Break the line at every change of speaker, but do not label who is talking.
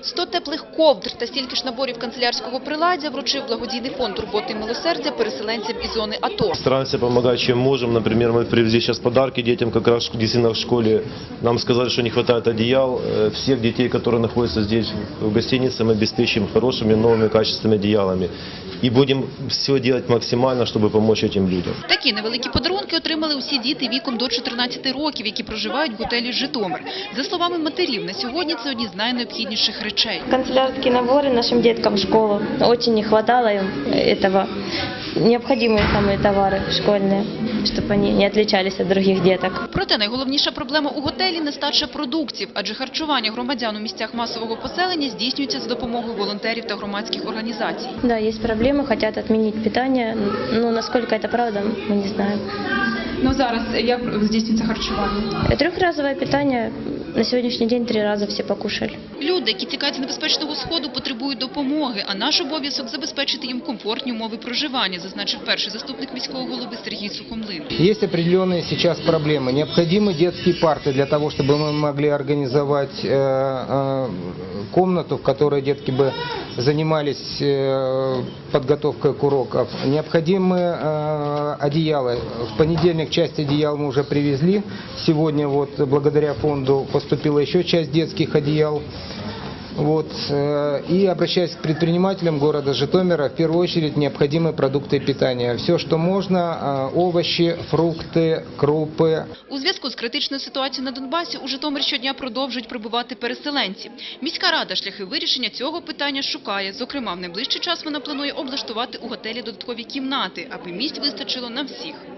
100 теплих ковдр та стільки ж наборів канцелярського приладдя вручив благодійний фонд «Турботи і милосердя» переселенцям із зони АТО.
Стараемся помогать, чем можем. Например, мы привезли сейчас подарки детям, как раз действительно в школе. Нам сказали, что не хватает одеял. Всех детей, которые находятся здесь в гостинице, мы обеспечим хорошими, новыми, качественными одеялами. І будемо все робити максимально, щоб допомогти цим людям.
Такі невеликі подарунки отримали усі діти віком до 14 років, які проживають в готелі «Житомир». За словами матерів, на сьогодні це одні з найнеобхідніших речей.
Канцелярские наборы нашим деткам в школу. Очень не хватало им этого. Необходимые самые товары школьные, чтобы они не отличались от других деток.
Проте найголовніша проблема у готелі – нестача продуктів, адже харчування громадян у місцях масового поселення здійснюється за допомогою волонтерів та громадських організацій.
Да, есть проблемы, хотят отменить питание, но насколько это правда, мы не знаем.
Ну зараз як здійснюється харчування?
Трехразовое питание. На сегодняшний день 3 раза все покушали.
Люди, які тікають з небезпечного сходу, потребують допомоги, а наш обов'язок – забезпечити їм комфортні умови проживання, зазначив перший заступник міського голови Сергій Сухомлин.
Есть определенные сейчас проблемы. Необходимы детские парты для того, чтобы мы могли организовать комнату, в которой детки бы занимались подготовкой к урокам. Необходимы одеяла. В понедельник часть одеял мы уже привезли. Сегодня вот благодаря фонду поступила еще часть детских одеял. Вот. И обращаясь к предпринимателям города Житомира, в первую очередь необходимы продукты питания. Все, что можно, овощи, фрукты, крупы.
У зв'язку з критичною ситуацією на Донбасі у Житомир щодня продовжують прибувати переселенці. Міська рада шляхи вирішення цього питання шукає. Зокрема, в найближчий час вона планує облаштувати у готелі додаткові кімнати, аби місць вистачило на всіх.